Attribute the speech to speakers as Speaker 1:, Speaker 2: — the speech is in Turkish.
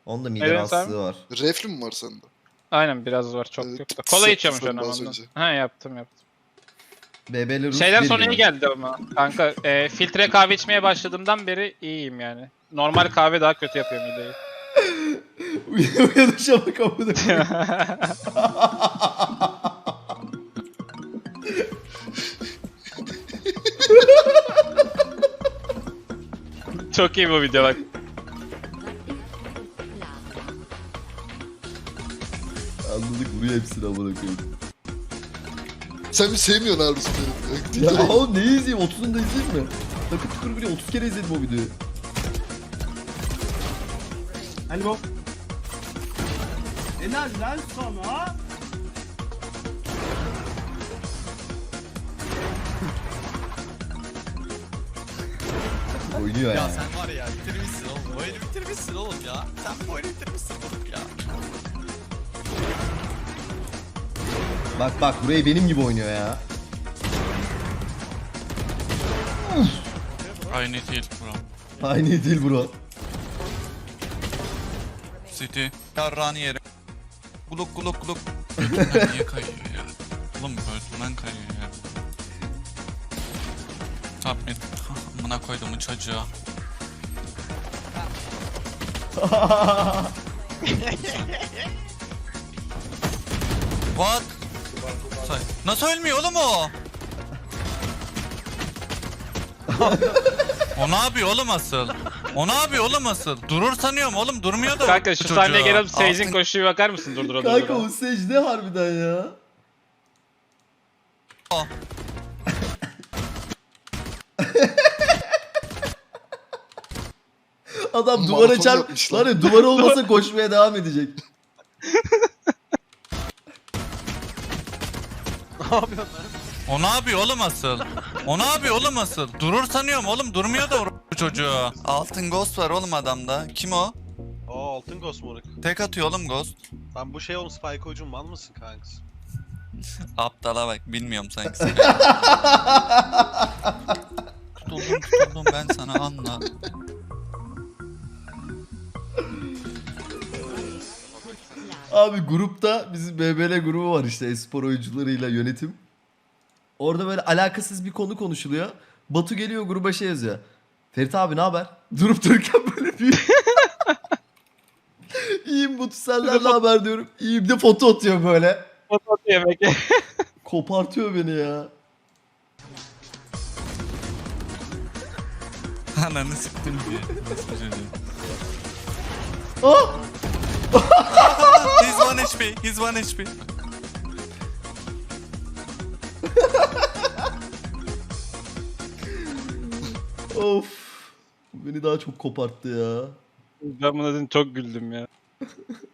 Speaker 1: Onun da mide
Speaker 2: Evet,
Speaker 1: rahatsızlığı var.
Speaker 3: Reflü mü var sende?
Speaker 2: Aynen biraz var, çok
Speaker 3: Evet,
Speaker 2: yok da. Kola içiyormuş
Speaker 3: yaptın
Speaker 2: onu
Speaker 3: az
Speaker 2: ondan.
Speaker 3: önce.
Speaker 2: Ha, yaptım.
Speaker 1: BB'li Rus
Speaker 2: Şeyden
Speaker 1: bir
Speaker 2: sonra iyi
Speaker 1: günü.
Speaker 2: geldi ama. Kanka filtre kahve içmeye başladığımdan beri iyiyim yani. Normal kahve daha kötü yapıyor mideyi.
Speaker 1: Uyanışa bak amına koyayım.
Speaker 2: Çok iyi bu video bak.
Speaker 1: Anladık, vuruyor hepsini amına koyayım.
Speaker 3: Sen mi sevmiyorsun abi beni?
Speaker 1: Ya oğlum neyi izleyeyim? 30'unu da izleyeyim mi? Takır tukur bile 30 kere izledim o videoyu.
Speaker 4: Hadi bu. Enerjiden sonra
Speaker 1: Oynuyor
Speaker 5: Ya
Speaker 1: yani.
Speaker 5: sen var ya bitirmişsin oğlum. Oyunu bitirmişsin oğlum ya. Sen bu oyunu bitirmişsin oğlum ya.
Speaker 1: Bak bak, burayı benim gibi oynuyor ya.
Speaker 6: Aynı değil bro.
Speaker 1: Aynı değil bro.
Speaker 6: City.
Speaker 5: Yarrağını yerim.
Speaker 6: Gluk gluk gluk. Niye kayıyor ya? Oğlum göğsünden kayıyor ya. Top mid. Amına koyduğumun çocuğu.
Speaker 5: What? Nasıl ölmüyor oğlum o? O ne yapıyor oğlum asıl? O ne yapıyor oğlum asıl? Durur sanıyorum oğlum, durmuyor da.
Speaker 2: Kanka şu
Speaker 5: çocuğu.
Speaker 2: sahneye gelip Sage'in
Speaker 5: Altın-
Speaker 2: koşuyu bakar mısın durdura
Speaker 1: Kanka
Speaker 2: durdura?
Speaker 1: o secde harbiden ya.
Speaker 5: O.
Speaker 1: Adam
Speaker 3: Maraton
Speaker 1: duvara çarp...
Speaker 3: yapmışlar.
Speaker 1: Var ya, duvar olmasa koşmaya devam edecek.
Speaker 5: O ne yapıyor oğlum asıl? O ne yapıyor oğlum asıl? Durur sanıyorum oğlum, durmuyor da bu çocuğu. Altın ghost var oğlum adamda. Kim o?
Speaker 7: Aa, altın ghost moruk.
Speaker 5: Tek atıyor oğlum ghost.
Speaker 7: Lan bu şey oğlum, Spike Ucun mal mısın kankası?
Speaker 5: Aptala bak, bilmiyorum sanki. Tutuldum ben sana, anla.
Speaker 1: Abi grupta bizim BBL grubu var işte, espor oyuncularıyla yönetim. Orada böyle alakasız bir konu konuşuluyor. Batu geliyor gruba şey yazıyor. Ferit abi ne haber? Durup dururken böyle bir... İyiyim Batu, senden ne haber diyorum. İyiyim de foto atıyor böyle.
Speaker 2: Foto yemek.
Speaker 1: Kopartıyor beni ya.
Speaker 5: Ananı siktim diye. Nasıl bir şey diyor?
Speaker 1: Ah!
Speaker 5: He's 1 HP, he's 1 HP.
Speaker 1: Of. Bu beni daha çok koparttı ya.
Speaker 2: Ben buna dün çok güldüm ya.